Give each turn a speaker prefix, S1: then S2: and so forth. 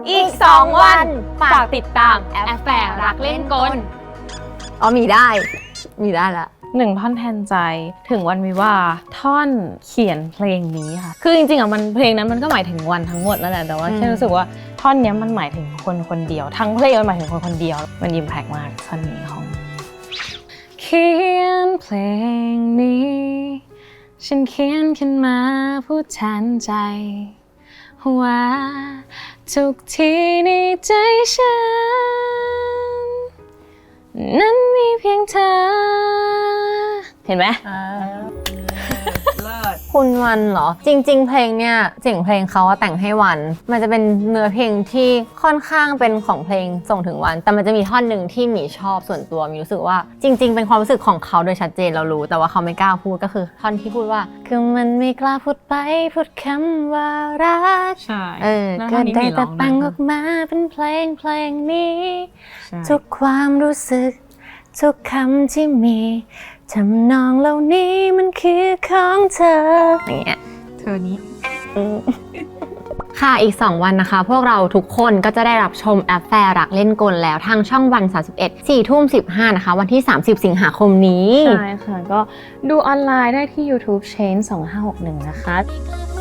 S1: อีก2 วันฝากติดตามแอฟแฟร์รักเล่นกล
S2: มีได้ละ
S3: 1 ท่อนแทนใจถึงวันวิวาห์ท่อนเขียนเพลงนี้ค่ะคือจริงๆมันเพลงนั้นมันก็หมายถึงวันทั้งหมดนั่นแหละแต่ว่าแค่รู้สึกว่าท่อนนี้มันหมายถึงคนคนเดียวทั้งเพลงมันหมายถึงคนคนเดียวมันอิมแพคมากท่อนนี้ของเขียนเพลงนี้ฉันเขียนขึ้นมาพูดแทนใจว่าทุกทีในใจฉันนั้นมีเพียงเธอเห็นไหม
S2: คุณวันเหรอจริงๆเพลงเนี่ยเสียงเพลงเขาแต่งให้วันมันจะเป็นเนื้อเพลงที่ค่อนข้างเป็นของเพลงส่งถึงวันแต่มันจะมีท่อนหนึ่งที่หมีชอบส่วนตัวมีรู้สึกว่าจริงๆเป็นความรู้สึกของเขาโดยชัดเจนเรารู้แต่ว่าเขาไม่กล้าพูดก็คือท่อนที่พูดว่าคือมันไม่กล้าพูดไปพูดคำว่ารัก
S3: ใช่
S2: ก็ได้แต่แต่งออกมาเป็นเพลงนี้ทุกความรู้สึกทุกคำที่มีทำนองเหล่านี้มันคือของเธออย่างเงี้ย
S3: เธอนี้
S2: ค่ะอีก2 วันนะคะพวกเราทุกคนก็จะได้รับชมแอฟแฟร์รักเล่นกลแล้วทางช่องวัน31 4:15นะคะวันที่30 สิงหาคมนี้
S3: ใช่ค่ะก็ดูออนไลน์ได้ที่ YouTube Change 2561นะคะ